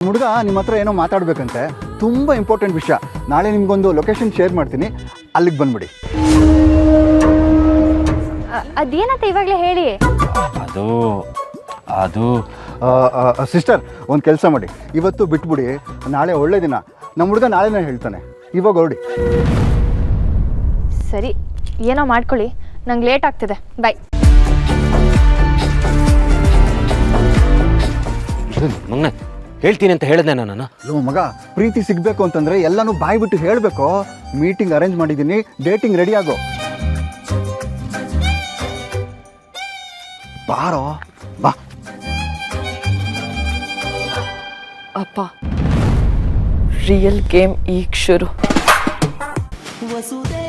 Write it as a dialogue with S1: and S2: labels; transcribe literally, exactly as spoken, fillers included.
S1: ಹುಡುಗ ನಿಮ್ಮ ಹತ್ರ ಏನೋ ಮಾತಾಡಬೇಕಂತೆ, ತುಂಬ ಇಂಪಾರ್ಟೆಂಟ್ ವಿಷಯ. ನಾಳೆ ನಿಮಗೊಂದು ಲೊಕೇಶನ್ ಶೇರ್ ಮಾಡ್ತೀನಿ, ಅಲ್ಲಿಗೆ ಬಂದ್ಬಿಡಿ.
S2: ಅದೇನಂತ ಇವಾಗಲೇ ಹೇಳಿ.
S3: ಅದು ಅದು
S1: ಸಿಸ್ಟರ್, ಒಂದು ಕೆಲಸ ಮಾಡಿ, ಇವತ್ತು ಬಿಟ್ಬಿಡಿ, ನಾಳೆ ಒಳ್ಳೆ ದಿನ. ನಮ್ಮ ಹುಡುಗ ನಾಳೆನೇ ಹೇಳ್ತಾನೆ, ಇವಾಗ ಹೊರಡಿ.
S2: ಸರಿ, ಏನೋ ಮಾಡ್ಕೊಳ್ಳಿ, ನಂಗೆ ಲೇಟ್ ಆಗ್ತಿದೆ. ಬಾಯ್.
S3: ಮಗನೇ ಹೇಳ್ತೀನಿ ಅಂತ ಹೇಳಿದೆ ನಾನು.
S1: ಲೋ ಮಗ, ಪ್ರೀತಿ ಸಿಗಬೇಕು ಅಂತಂದರೆ ಎಲ್ಲನೂ ಬಾಯಿ ಬಿಟ್ಟು ಹೇಳಬೇಕು. ಮೀಟಿಂಗ್ ಅರೇಂಜ್ ಮಾಡಿದ್ದೀನಿ, ಡೇಟಿಂಗ್ ರೆಡಿ ಆಗೋ. ಬಾರೋ ಬಾ.
S4: ಅಪ್ಪ, ರಿಯಲ್ ಗೇಮ್ ಈಗ ಶುರು.